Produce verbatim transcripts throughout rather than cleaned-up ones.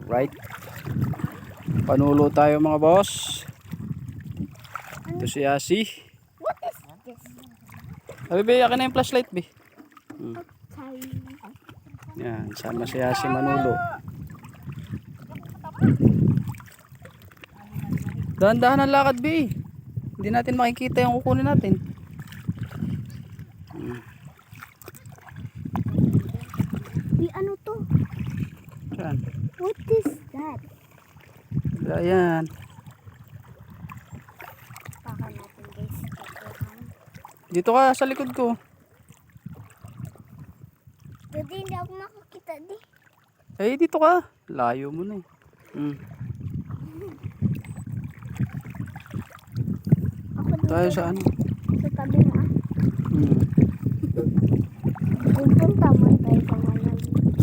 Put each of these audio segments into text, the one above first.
Right. Panulo tayo mga boss. Ito si Asi. What is this? Abi, be, akin na yung flashlight, be. Hmm. Okay. Yan, sama si Asi manulo. Dahan-dahan ang lakad, be. Hindi natin makikita yung kukunin natin. Hmm. Di ano to? Saan? What is that? Ayan. Baka natin guys. Tutukan. Dito ka sa likod ko. Dati hindi ako makakita di. Eh, dito ka. Layo mo na eh. Hmm. Ako dito. Tayo sa ano? Sa tabi mo ah. Hmm. Pupunta man tayo sa malalim.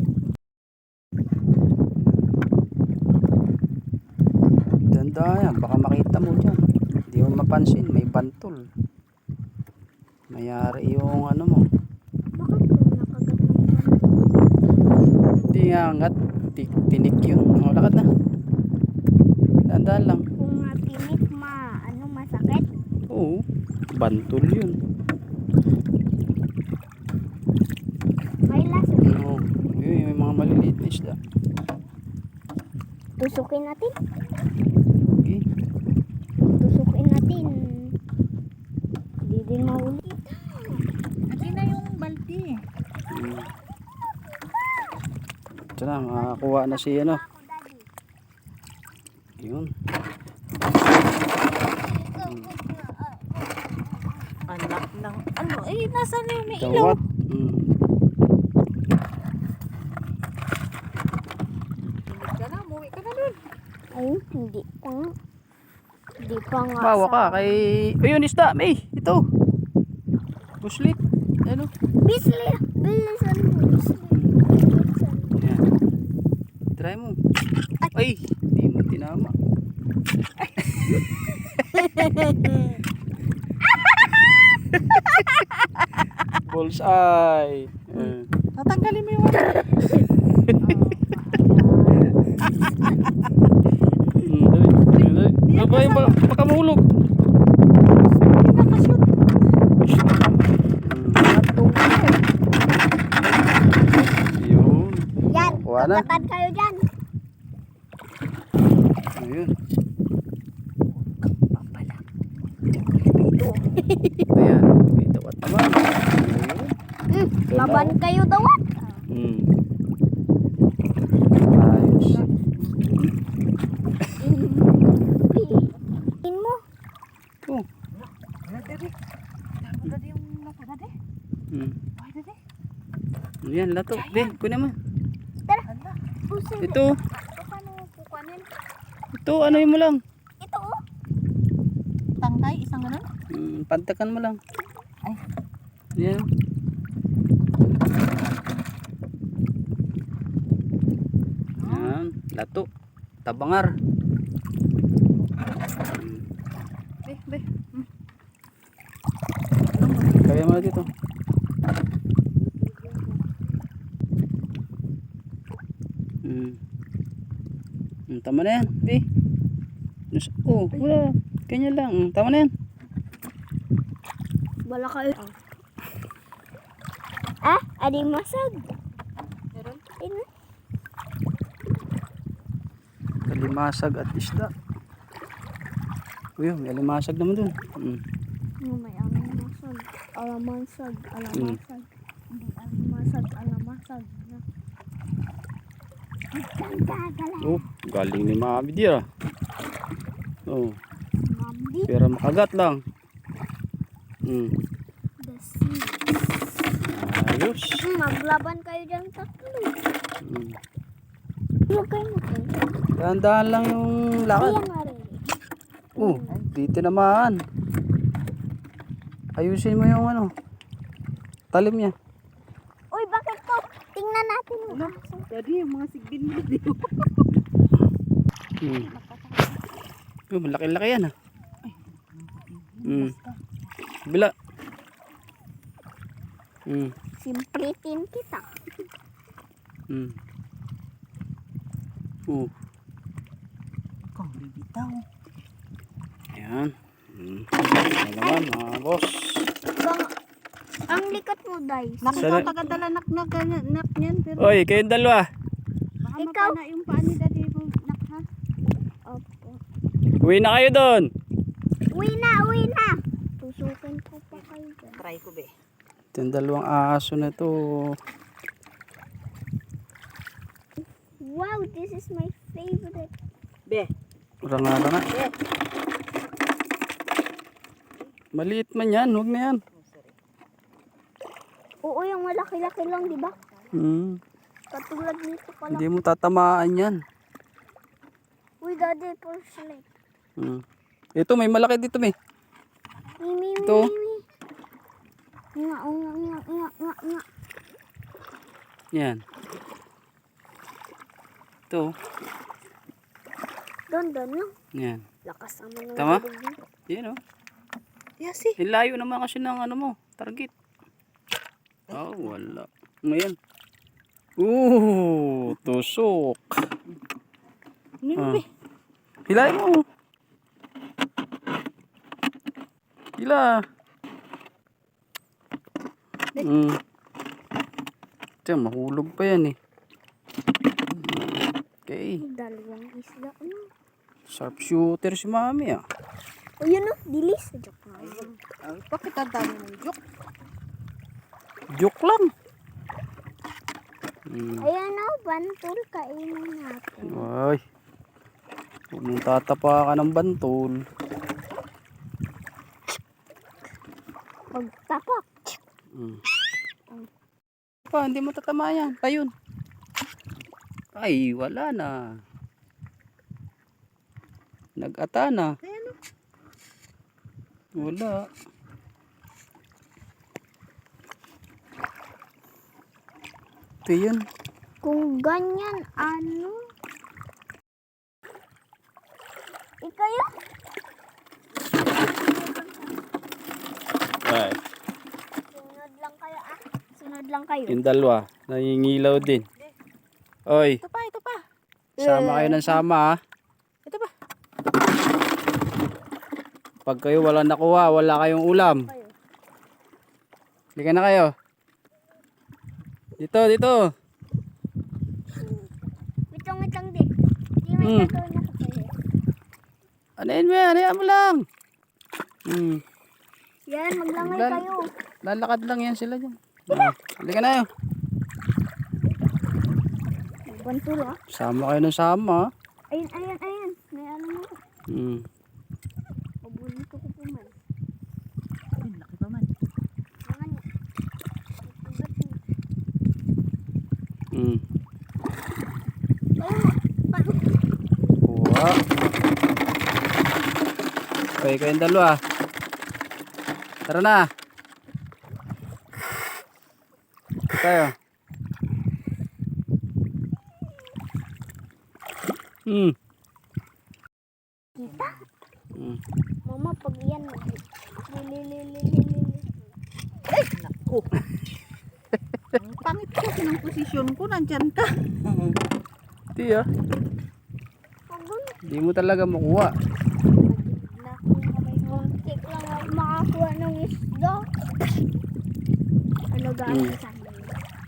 Ganda yan. Baka makita mo dyan. Hindi mo mapansin. May bantol. Mayari yung ano mo. Bakit ko nakagat ng ganun? Hindi nga angat. Tinik yun. O, lakad na. Dahan-dahan lang. Kung matinik ma, ano masakit? Oo. Bantol yun. May laso. Oo. Yun, may mga maliliit na isda. Tusukin natin. Okay. Tusukin natin. Hindi din mahuli. Ati na yung balti. Hmm. Ito na. Makakuha na si ano. Yun. Anak lang. Ano? Eh, nasa na yung may ilaw? Dawat. Hmm. Hindi ka na, umuwi ka na dun. Ay, hindi pa nga. Hindi pa nga. Bawa sa- ka kay... Ayun, isda. May. Ito. Puslit. Ano? Bisli. Bilisan mo. Bisli. Bilisan. Yan. Try mo. Ay. Hindi mo tinama. Bullseye. Eh. Tatanggalin mo yung ano. Hmm, dali, dali, dali. Ano ba yung baka, baka mahulog? Nakashoot. Hmm. Yun. Yan. Kuha na. Tugatan kayo dyan. Ayun. Ayan. May tawat naman. Ayun. Hmm. Ganda, Laban oh. kayo daw. ah. Hmm. Ayos. Tingin mo. Oh. Wala dali. Dapat dali yung mata dali. Hmm. Wala dali. Ayan, lato. Be, kunin mo. Tara. Hala. Pusin. Ito. Paano kukunin? Ito, ano mo lang. Ito oh. Tangkay, isang ganun. Hmm, pantakan mo lang. Ay. Ayan. Ayan, lato. Tabangar. Hmm. Be, be. Kaya mo na dito. Hmm. Hmm, tama na yan, be. Nus- Oh, wala. Kanya lang. Hmm, tama na yan. Wala kayo. Ah, ading masag. Meron? Ino. Kalimasag at isda. Uy, may alimasag naman dun. Hmm. No, may alamasag. Alamasag. Alamasag. Hindi alamasag. Alamasag. Ganda-gala. Oh, galing ni Mami dia. Oh, Mami. pero makagat lang. Hmm. The sea. Ayos. Hmm, maglaban kayo dyan tatlo. Hmm. Huwag kayo magkayo. Dahan-dahan lang yung lakad. Ayan nga rin. Oh, dito naman. Ayusin mo yung ano. Talim niya. Uy, bakit to? Tingnan natin yung Wala. aso. Daddy, yung mga sigbin mo dito. Hmm. Oh, malaki-laki yan ah. Hmm. Bila. Hmm. Simplitin kita. Hmm. Oh, Kung bibitaw. ayan. Hmm. Ayan naman mga boss. Bang, ang likat mo, Dice. Naku, Sana- ikaw tagadala nak nak nak niyan. Pero Oy, kayong dalawa. baka Ikaw? mapana yung paa ni daddy mo nak ha. Opo. Uwi na kayo doon. Uwi na, uwi na. Tusukin ko pa kayo dyan. Try ko be. Ito yung dalawang aso na to. Wow, this is my favorite. Be. Ranga-ranga. Be. Maliit man yan, huwag na yan. Oh, sorry. Oo, yung malaki-laki lang, di ba? Hmm. Katulad nito pala. Hindi mo tatamaan yan. Uy, daddy, porcelain. Hmm. Ito, may malaki dito, may. Mimi, Ito. mimi. Nga, nga, nga, nga, nga, nga. Yan. Ito. Doon, doon lang. Yan. Lakas naman ng Tama? dilig mo. Yan o. Yes eh. Layo naman kasi ng ano mo, target. Oh, wala. Ngayon. Ooh, tusok. Nino Ah. be. Hilahin mo. Hila. Mm. Tiyan, mahulog pa yan eh. Okay. Dalawang isda. Ano? Sharp shooter si mami ah. O yun o, dilis. Joke na. Ay, bakit ang dami ng joke? Joke lang. Mm. Ayan o, bantul. Kainin natin. Ay. Huwag mong tatapa ka ng bantol. Magtapak. Mm. Pa, hindi mo tatama yan. Tayun. Ay, wala na. Nag-ata na. Ayan o. Wala. Ito yun. Kung ganyan, ano? Ikaw yun? Ay, Sunod lang kayo ah. Sunod lang kayo. yung dalawa. Nangingilaw din. Oy, Ito pa, ito pa. sama kayo ng sama ah. Ito pa. Pag kayo wala nakuha, wala kayong ulam. Kayo. Halika na kayo. Dito, dito. Witong, witong din. Hindi may Hmm. gagawin ako kayo. Anayin mo yan, hayaan mo lang. Hmm. Yan, maglangay Lal- kayo. Lalakad lang yan sila dyan. Ah, halika na yun. Bantul ah. Sama kayo ng sama. Ayun, ayun, ayun. May ano mo. Hmm. Pabulin ko ko po man. Ay, laki pa man. Mga niya. Ba't niya? Hmm. Kayo mo. Paano? Kuha. Okay, kayong dalawa. Tara na. Ito tayo. Hmm. Kita? Hmm. Mama, pag iyan mo. Lilililililili. Ay, naku. Ang pangit kasi ng posisyon ko. Nandyan ka. Hindi ah. Pag gano'n. Hindi mo talaga makuha. Muntik lang ako makakuha ng isda. Ano gano'n Hmm. sa amin?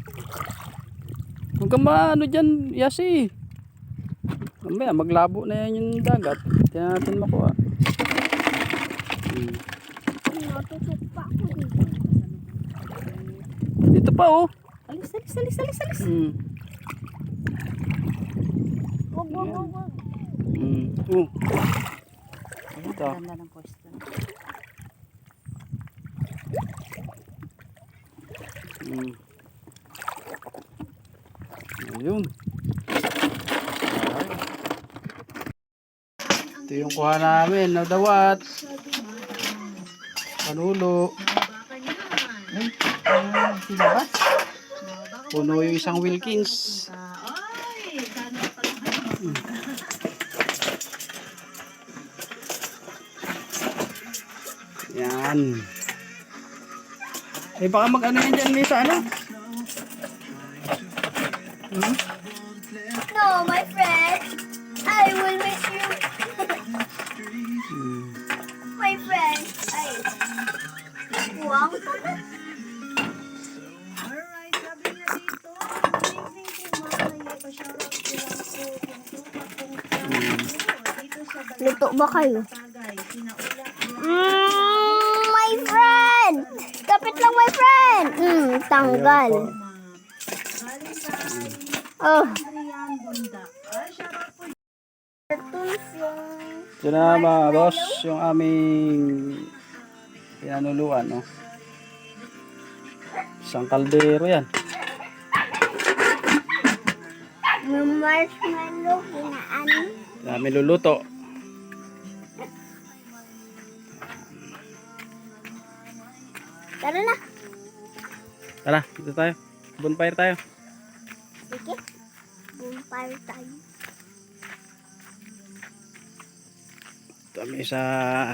Huwag kang maano dyan, Yasi. Mamaya, maglabo na yan yung dagat. Hindi na natin makuha. Hmm. Natusok pa ako dito. Dito pa oh. Alis, alis, alis, alis, alis. Hmm. Wag, wag, wag, wag. Hmm. Oh. Ayan, Ito. ganda ng pwesto. Hmm. Ayun. Ay. Ito yung kuha namin. Nadawat. Panulo. Ay, ah, silabas. Puno yung isang Wilkins. Yan. Eh baka mag ano yan dyan may sa ano? Hmm? No, my friend. I will miss you. Hmm. My friend. Ay. Wow. Alright, sabi niya dito. Good evening po, mga pa-shoutout ko lang po. Kung po, dito sa Luto ba kayo? Tagay, sinaulak Mm, my friend. Kapit lang, my friend. Mm, tanggal. Ayun po. galing kay Oh. Adrian Bunda. Ay, shoutout po. Ito na mga boss, yung aming pinanuluan, no? Isang kaldero yan. Yung marshmallow, ginaan. Dami luluto. Tara na. Tara, dito tayo. Bonfire tayo. Sige. Bonfire tayo. Dami sa...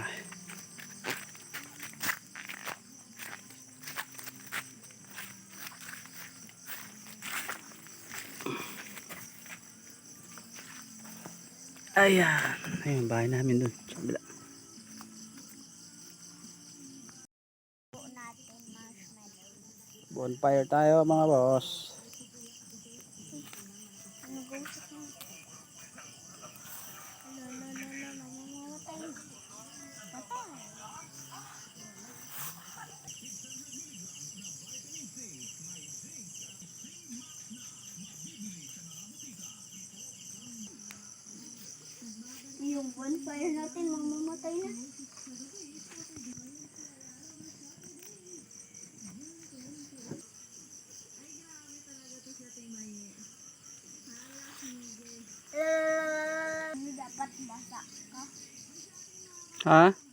Ayan. Ayun, bahay namin dun. Sa kabila. Bonfire tayo mga boss. Yung bonfire natin, mamamatay na. Uh, dapat basa ka. Ha?